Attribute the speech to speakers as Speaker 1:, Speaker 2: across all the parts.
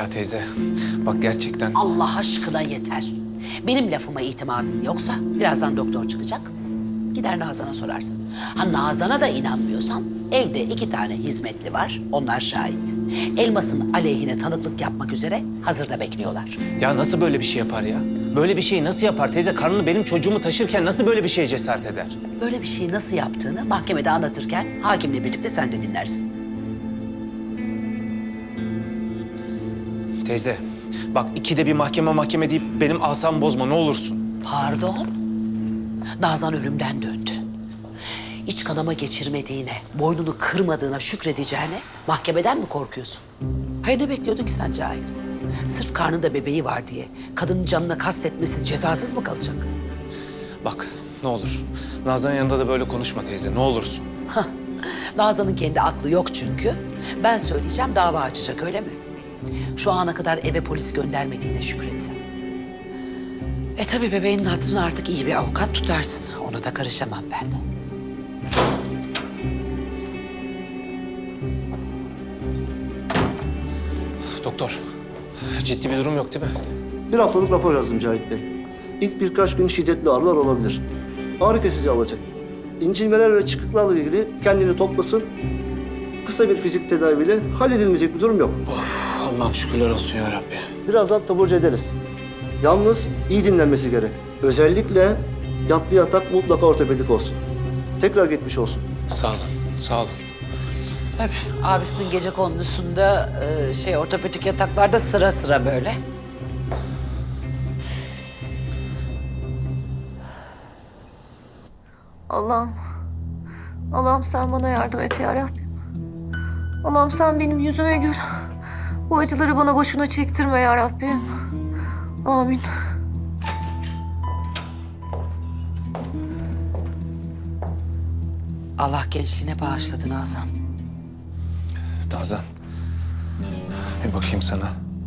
Speaker 1: Ya teyze, bak gerçekten...
Speaker 2: Allah aşkına yeter. Benim lafıma itimadın yoksa birazdan doktor çıkacak. Gider Nazan'a sorarsın. Ha Nazan'a da inanmıyorsan evde 2 tane hizmetli var. Onlar şahit. Elmas'ın aleyhine tanıklık yapmak üzere hazırda bekliyorlar.
Speaker 1: Ya nasıl böyle bir şey yapar ya? Böyle bir şeyi nasıl yapar teyze? Karnını benim çocuğumu taşırken nasıl böyle bir şeye cesaret eder?
Speaker 2: Böyle bir şeyi nasıl yaptığını mahkemede anlatırken hakimle birlikte sen de dinlersin.
Speaker 1: Teyze, bak ikide bir mahkeme deyip benim asamı bozma ne olursun.
Speaker 2: Pardon? Nazan ölümden döndü. İç kanama geçirmediğine, boynunu kırmadığına şükredeceğine mahkemeden mi korkuyorsun? Hayır ne bekliyordun ki sen Cahit? Sırf karnında bebeği var diye kadının canına kastetmesi cezasız mı kalacak?
Speaker 1: Bak ne olur, Nazan'ın yanında da böyle konuşma teyze ne olursun.
Speaker 2: Hah, Nazan'ın kendi aklı yok çünkü. Ben söyleyeceğim dava açacak öyle mi? Şu ana kadar eve polis göndermediğine şükretsen. Tabii bebeğinin hatırına artık iyi bir avukat tutarsın. Ona da karışamam ben.
Speaker 1: Doktor, ciddi bir durum yok değil mi?
Speaker 3: Bir haftalık rapor yazdım Cahit Bey. İlk birkaç gün şiddetli ağrılar olabilir. Ağrı kesici alacak. İncinmeler ve çıkıklarla ilgili kendini toplasın. Kısa bir fizik tedaviyle halledilmeyecek bir durum yok.
Speaker 1: Allah'ım şükürler olsun ya Rabbi.
Speaker 3: Birazdan taburcu ederiz. Yalnız iyi dinlenmesi gerek. Özellikle yatlı yatak mutlaka ortopedik olsun. Tekrar geçmiş olsun.
Speaker 1: Sağ olun, sağ olun.
Speaker 2: Tabii abisinin gecekondusunda ortopedik yataklarda sıra sıra böyle.
Speaker 4: Allah'ım, Allah'ım sen bana yardım et ya Rabbim. Allah'ım sen benim yüzüme gül. Bu acıları bana boşuna çektirme ya Rabbim. Amin.
Speaker 2: Allah gençliğine bağışladı Nazan.
Speaker 1: Nazan, bir bakayım sana.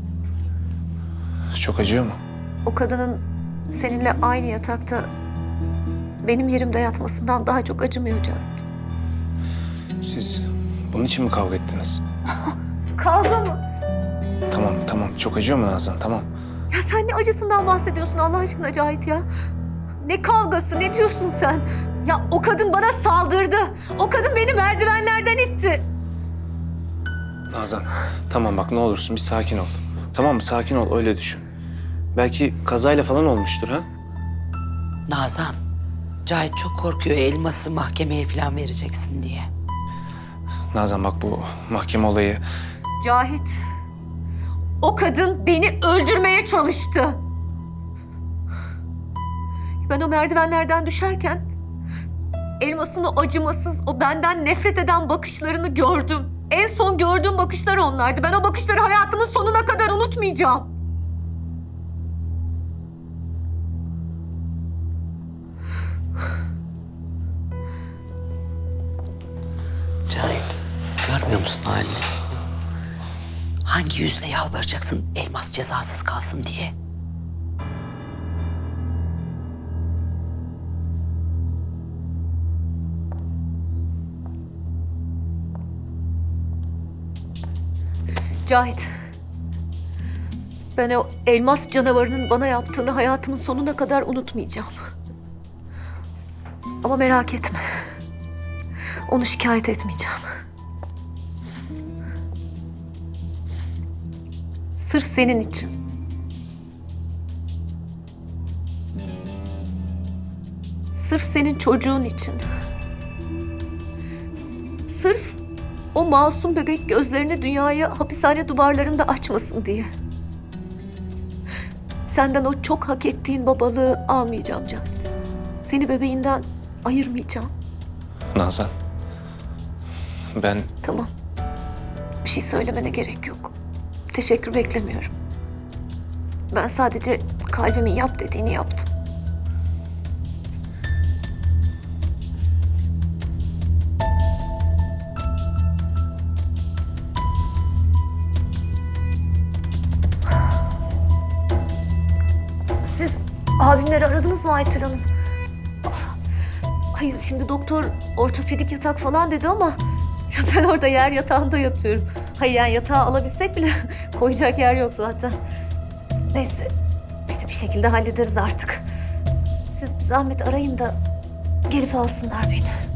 Speaker 1: Çok acıyor mu?
Speaker 4: O kadının seninle aynı yatakta benim yerimde yatmasından daha çok acımıyor Cahit.
Speaker 1: Siz bunun için mi kavga ettiniz?
Speaker 4: Kavga mı?
Speaker 1: Tamam. Çok acıyor mu Nazan? Tamam.
Speaker 4: Ya sen ne acısından bahsediyorsun Allah aşkına Cahit ya? Ne kavgası, ne diyorsun sen? Ya o kadın bana saldırdı. O kadın beni merdivenlerden itti.
Speaker 1: Nazan, tamam bak ne olursun bir sakin ol. Tamam mı? Sakin ol, öyle düşün. Belki kazayla falan olmuştur ha?
Speaker 2: Nazan, Cahit çok korkuyor Elmas'ı mahkemeye falan vereceksin diye.
Speaker 1: Nazan bak bu mahkeme olayı...
Speaker 4: Cahit, o kadın beni öldürmeye çalıştı. Ben o merdivenlerden düşerken Elmas'ın o acımasız, o benden nefret eden bakışlarını gördüm. En son gördüğüm bakışlar onlardı. Ben o bakışları hayatımın sonuna kadar unutmayacağım.
Speaker 2: Cahit, görmüyor musun halini? Hangi yüzle yalvaracaksın Elmas cezasız kalsın diye?
Speaker 4: Cahit, ben o elmas canavarının bana yaptığını hayatımın sonuna kadar unutmayacağım. Ama merak etme, onu şikayet etmeyeceğim. Sırf senin için. Sırf senin çocuğun için. Sırf o masum bebek gözlerini dünyaya hapishane duvarlarında açmasın diye. Senden o çok hak ettiğin babalığı almayacağım Cahit. Seni bebeğinden ayırmayacağım.
Speaker 1: Nazan, ben...
Speaker 4: Tamam. Bir şey söylemene gerek yok. Teşekkür beklemiyorum. Ben sadece kalbimin yap dediğini yaptım. Siz abimleri aradınız mı Aytül Hanım? Hayır, şimdi doktor ortopedik yatak falan dedi ama ya ben orada yer yatağında yatıyorum. Hayır yani yatağa alabilsek bile koyacak yer yok zaten. Neyse işte bir şekilde hallederiz artık. Siz bir zahmet arayın da gelip alsınlar beni.